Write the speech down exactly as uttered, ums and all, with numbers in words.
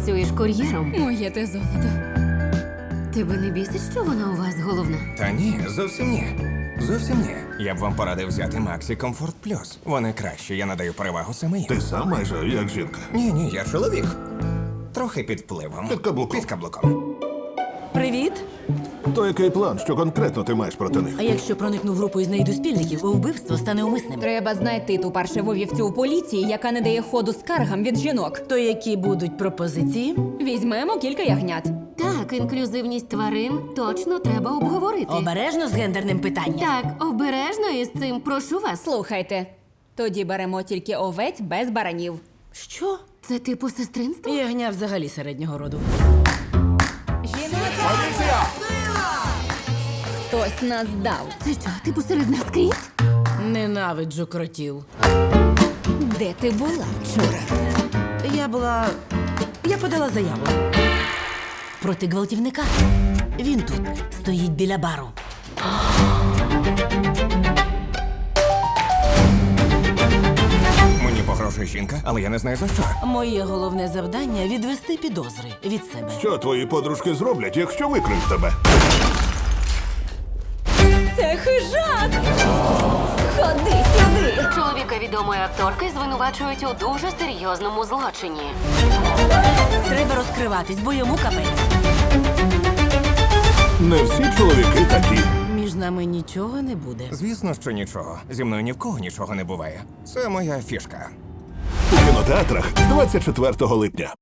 працюєш кур'єром. Моє те золото. Тебе не бісить, що вона у вас головна? Та ні, зовсім ні. Зовсім ні. Я б вам порадив взяти Maxi Comfort Plus. Вони кращі, я надаю перевагу саме їм. Ти сам майже як жінка. Ні, ні, я чоловік. Трохи під впливом. Під каблуком. Під каблуком. Привіт. То який план, що конкретно ти маєш проти них? А якщо проникну в групу із знайду-спільників, вбивство стане умисним. Треба знайти ту паршиву вівцю у поліції, яка не дає ходу скаргам від жінок. То які будуть пропозиції? Візьмемо кілька ягнят. Так, інклюзивність тварин точно треба обговорити. Обережно з гендерним питанням. Так, обережно із цим, прошу вас. Слухайте, тоді беремо тільки овець без баранів. Що? Це типу сестринство? Ягня взагалі середнього роду. Жіноча! Хтось нас дав. Це що, типу серед нас кріт? Ненавиджу кротів. Де ти була вчора? Я була... Я подала заяву. Проти гвалтівника. Він тут стоїть біля бару. Мені погрожує жінка, але я не знаю за що. Моє головне завдання — відвести підозри від себе. Що твої подружки зроблять, якщо викриють тебе? Це хижак! Ходи сюди! Чоловіка відомої акторки звинувачують у дуже серйозному злочині. Треба розкриватись, бо йому капець. Не всі чоловіки такі. Між нами нічого не буде. Звісно, що нічого. Зі мною ні в кого нічого не буває. Це моя фішка. У кінотеатрах з двадцять четвертого липня.